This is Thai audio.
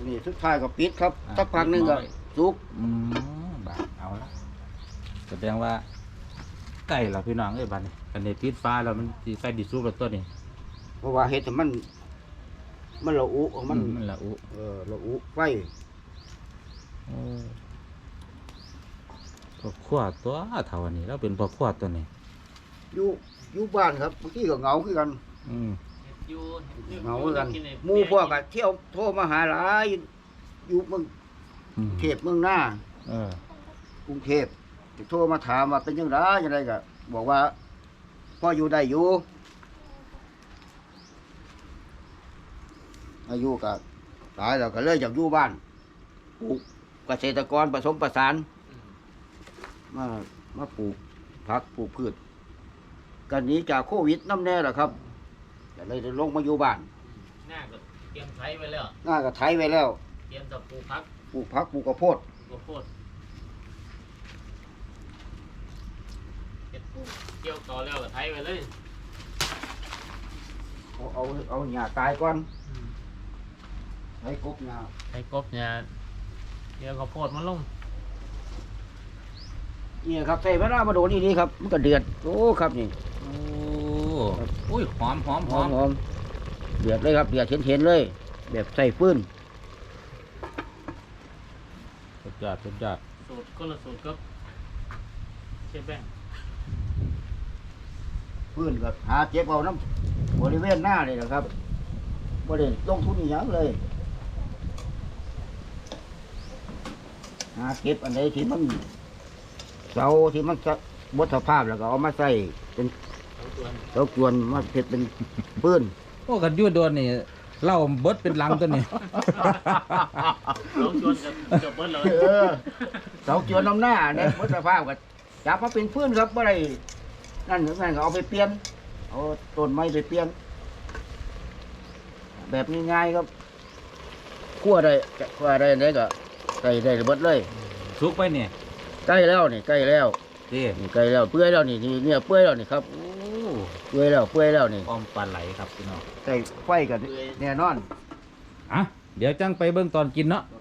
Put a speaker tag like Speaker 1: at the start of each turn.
Speaker 1: นี่สุดท้ายก็ปิดครับสักพักหนึงก็สุก
Speaker 2: บาดเอาละแสดงว่าไก่เราพี่น้องเอ้ยบัดนี้กันนี้ปิดฟ้าแล้วมันสิไก่ดิสุกแล้วตัวนี้
Speaker 1: เพราะว่าเห็ดให้มันละอุของมัน
Speaker 2: มันละอุ
Speaker 1: ละอุไฟ
Speaker 2: พอขวดตัวเท่านี้แล้วเป็นพอขวดตัวนี้
Speaker 1: อยู่บ้านครับบางทีก็เหงาคือกัน
Speaker 2: อืม
Speaker 1: เหงาคือกันหมู่พวกก็เที่ยวโทรมาหาหลายอยู่เมืองเทพเมืองหน้า
Speaker 2: เออก
Speaker 1: รุงเทพโทรมาถามว่าเป็นยังไงยังไงก็บอกว่าพ่ออยู่ได้อยู่อายุก็ตายแล้วก็เลยอยากอยู่บ้านปลูกเกษตรกรผสมประสานมาปลูกผักปลูกพืชกันหนี้จากโควิดน้ำแน่แหละครับก็เลยได้ลงมาอยู่บ้าน
Speaker 3: หน้าก็เตรียมไถไว้แล้ว
Speaker 1: หน้าก็ไถไว้แล้ว
Speaker 3: เตรียมจะปลูกพัก
Speaker 1: ปลูกผักปลูกข้าวโพด
Speaker 3: ข้าวโพดเก็บเกี่ยวต่อแล้วก็ไถไว้เลย
Speaker 1: เอาหญ้าตายก่อนไถกบหญ้า
Speaker 3: ไถกบเนี่ยเกี่ยวข้าวโพดมันลง
Speaker 1: นี่ครับใส่เวลามาโดนนี่ครับมันก็เดือดโอ้ครับนี่
Speaker 2: โอ้ยหอม
Speaker 1: หอมเดือดเลยครับเดือดเห็นเลย แบบใส่ฟืน
Speaker 2: สุดยอด
Speaker 3: สูตรคนละสูตรกับเชฟแบงค์
Speaker 1: ฟืนก็หาเจ็บเอาน้ำบริเวณหน้าเลยนะครับบริเวณลงทุนอหย่างเลยหาเก็บอันใดที่มันเสาที่มันบดสภาพแล้วก็เอามาใส่เป็น
Speaker 3: เอาตัวนี้
Speaker 1: เสาจวนมาเพ็ดเป็นฟืน
Speaker 2: โอ้กันอยูโดนนี่เหล่าเบิดเป็นลังตัวนี้
Speaker 3: เอาชวนกับเบิ้ลเลย
Speaker 1: เสาจวนน้ำหน้าเนี่ยบดสภาพก็จับมาเป็นฟืนครับอะไรนั่นหรือนั่นก็เอาไปเปลี่ยนเอาต้นไม้ไปเปลี่ยนแบบง่ายๆครับคั่วได้ไหนก็ใส่ได้เบิดเลย
Speaker 2: สุกไปเนี่ย
Speaker 1: ใกล้แล้วนี่ใกล้แล้ว
Speaker 2: เด้
Speaker 1: นี่ใกล้แล้วเปื่อยแล้วนี่เนี่ยเปื่อยแล้วนี่ครับ
Speaker 2: โอ้
Speaker 1: เปื่อยแล้วนี่
Speaker 2: อ้อมปลาไหลครับพี่น้อง
Speaker 1: ใส่ไฟกันแน่นอน
Speaker 2: อ่ะเดี๋ยวจังไปเบิ่งตอนกินเนาะ